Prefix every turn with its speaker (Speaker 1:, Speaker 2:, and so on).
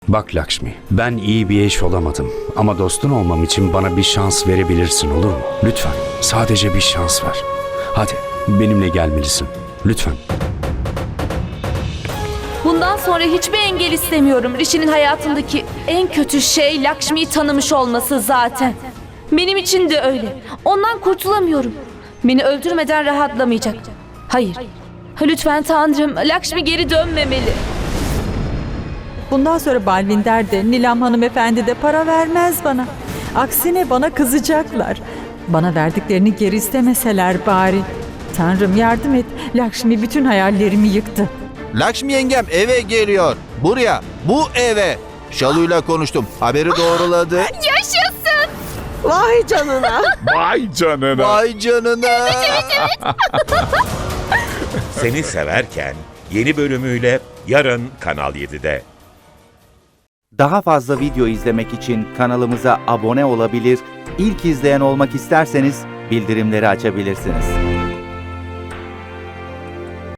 Speaker 1: Bak Lakshmi, ben iyi bir eş olamadım. Ama dostun olmam için bana bir şans verebilirsin, olur mu? Lütfen, sadece bir şans ver. Hadi, benimle gelmelisin. Lütfen.
Speaker 2: Bundan sonra hiçbir engel istemiyorum. Rishi'nin hayatındaki en kötü şey Lakshmi'yi tanımış olması zaten. Benim için de öyle. Ondan kurtulamıyorum. Beni öldürmeden rahatlamayacak. Hayır. Lütfen Tanrım, Lakshmi geri dönmemeli.
Speaker 3: Bundan sonra Balvinder de Nilam hanımefendi de para vermez bana. Aksine bana kızacaklar. Bana verdiklerini geri istemeseler bari. Tanrım yardım et. Lakshmi bütün hayallerimi yıktı.
Speaker 4: Lakshmi yengem eve geliyor. Buraya, bu eve. Şalu'yla konuştum. Haberi doğruladı.
Speaker 2: Yaşasın!
Speaker 3: Vay canına.
Speaker 5: Vay canına.
Speaker 4: Vay canına.
Speaker 6: Seni Severken yeni bölümüyle yarın Kanal 7'de.
Speaker 7: Daha fazla video izlemek için kanalımıza abone olabilir, ilk izleyen olmak isterseniz bildirimleri açabilirsiniz.